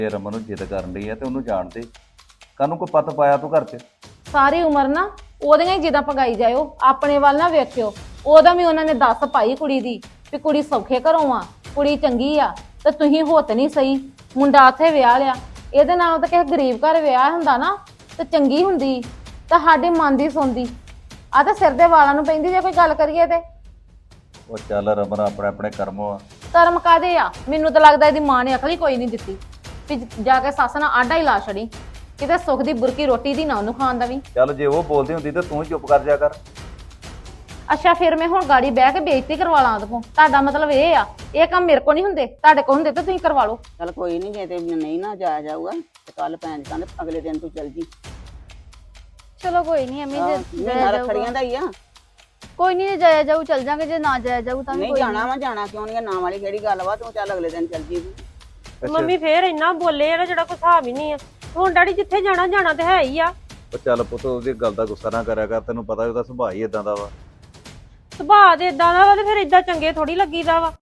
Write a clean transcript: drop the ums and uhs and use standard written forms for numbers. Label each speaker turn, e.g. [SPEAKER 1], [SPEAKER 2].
[SPEAKER 1] ਜੇ ਰਮਨ ਨੂੰ ਜਿੱਦ ਕਰਨ ਲਈ ਆ ਤੇ ਉਹਨੂੰ ਜਾਣ ਦੇ। ਕਾਹਨੂੰ ਕੋਈ ਪੱਤ ਪਾਇਆ ਤੂੰ ਘਰ 'ਚ?
[SPEAKER 2] ਸਾਰੀ ਉਮਰ ਨਾ ਉਹਦੀਆਂ ਹੀ ਜਿੱਦਾਂ ਪਗਾਈ ਜਾਇਓ, ਆਪਣੇ ਵੱਲ ਨਾ ਵੇਖਿਓ। ਉਹਦਾ ਵੀ ਉਹਨਾਂ ਨੇ ਦੱਸ ਪਾਈ ਕੁੜੀ ਦੀ ਵੀ ਕੁੜੀ ਸੌਖੇ ਘਰੋਂ ਆ, ਕੁੜੀ ਚੰਗੀ ਆ, ਤੇ ਤੁਸੀਂ ਹੋਤ ਨਹੀਂ ਸਹੀ। ਮੁੰਡਾ ਉੱਥੇ ਵਿਆਹ ਲਿਆ, ਇਹਦੇ ਨਾਲ ਤਾਂ ਕਿਸੇ ਗਰੀਬ ਘਰ ਵਿਆਹ ਹੁੰਦਾ ਨਾ ਤੇ ਚੰਗੀ ਹੁੰਦੀ, ਤਾਂ ਸਾਡੇ ਮਨ ਦੀ ਸੁਣਦੀ। ਆ ਤਾਂ ਸਿਰ ਦੇ ਵਾਲਾਂ ਨੂੰ ਪੈਂਦੀ ਜੇ ਕੋਈ ਗੱਲ ਕਰੀਏ ਤੇ।
[SPEAKER 1] ਉਹ ਚੱਲ ਰਮਨ, ਆਪਣੇ ਆਪਣੇ ਕਰਮ ਆ।
[SPEAKER 2] ਕਰਮ ਕਾਦੇ ਆ? ਮੈਨੂੰ ਤਾਂ ਲੱਗਦਾ ਇਹਦੀ ਮਾਂ ਨੇ ਅਕਲ ਹੀ ਕੋਈ ਨਹੀਂ ਦਿੱਤੀ ਵੀ ਜਾ ਕੇ ਸੱਸ ਨਾਲ ਆਡਾ ਹੀ ਲਾ ਛੜੀ, ਕਿਤੇ ਸੁੱਖ ਦੀ ਬੁਰਕੀ ਰੋਟੀ ਦੀ ਨਾ ਉਹਨੂੰ ਖਾਣ ਦਾ ਵੀ।
[SPEAKER 1] ਚੱਲ ਜੇ ਉਹ ਬੋਲਦੀ ਹੁੰਦੀ ਤੇ ਤੂੰ ਚੁੱਪ ਕਰ ਜਾ ਕਰ।
[SPEAKER 2] ਅੱਛਾ ਫਿਰ ਮੈਂ ਹੁਣ ਗਾੜੀ ਬਹਿ ਕੇ ਬੇਇੱਜ਼ਤੀ ਕਰਵਾ ਲਾਂ ਉਹਦੇ ਕੋਲ? ਤੁਹਾਡਾ ਮਤਲਬ ਇਹ ਆ ਇਹ ਕੰਮ ਮੇਰੇ ਕੋਲ ਨਹੀਂ ਹੁੰਦੇ, ਤੁਹਾਡੇ ਕੋਲ ਹੁੰਦੇ ਤਾਂ ਤੁਸੀਂ ਕਰਵਾ ਲਓ।
[SPEAKER 3] ਚੱਲ ਕੋਈ ਨਹੀਂ, ਜੇ ਤੇ ਨਹੀਂ ਨਾ ਜਾਇਆ ਜਾਊਗਾ ਤੇ ਕੱਲ ਭੈਣ ਕਹਿੰਦੇ ਅਗਲੇ ਦਿਨ ਤੂੰ ਚੱਲ ਜੀ।
[SPEAKER 4] ਚਲੋ ਕੋਈ ਨਹੀਂ ਅਮੀ, ਜੇ ਜਾਇਆ
[SPEAKER 3] ਰੱਖੜੀਆਂ
[SPEAKER 4] ਜਾਊਗਾ
[SPEAKER 3] ਦਾ ਹੀ ਆ।
[SPEAKER 4] ਕੋਈ ਨਹੀਂ, ਜੇ ਜਾਇਆ ਜਾਊ ਚੱਲ ਜਾਾਂਗੇ, ਜੇ ਨਾ ਜਾਇਆ ਜਾਊ ਤਾਂ ਵੀ
[SPEAKER 3] ਨਹੀਂ
[SPEAKER 4] ਕੋਈ
[SPEAKER 3] ਜਾਣਾ ਵਾ, ਜਾਣਾ ਕਿਉਂ ਨਹੀਂ? ਨਾਂ ਵਾਲੀ ਕਿਹੜੀ ਗੱਲ ਵਾ? ਤੂੰ ਚੱਲ ਅਗਲੇ ਦਿਨ ਚੱਲ ਜੀ।
[SPEAKER 5] ਮੰਮੀ ਫੇਰ ਇੰਨਾ ਬੋਲੇ ਆ ਨਾ ਜਿਹੜਾ ਕੋਈ ਹਿਸਾਬ ਹੀ ਨਹੀਂ ਆ। ਹੁਣ ਡੈਡੀ ਜਿੱਥੇ ਜਾਣਾ ਜਾਣਾ ਤੇ ਹੈ ਹੀ ਆ।
[SPEAKER 1] ਉਹ ਚੱਲ ਪੁੱਤ, ਉਹਦੀ ਗੱਲ ਦਾ ਗੁੱਸਾ ਨਾ ਕਰਿਆ ਕਰ, ਤੈਨੂੰ ਪਤਾ ਉਹਦਾ ਸੁਭਾਅ ਹੀ ਇਦਾਂ ਦਾ ਵਾ।
[SPEAKER 5] ਸੁਭਾਅ ਦੇ ਇਦਾਂ ਦਾ ਵਾ ਤੇ ਫਿਰ ਇਦਾਂ ਚੰਗੇ ਥੋੜੀ ਲੱਗੀਦਾ ਵਾ।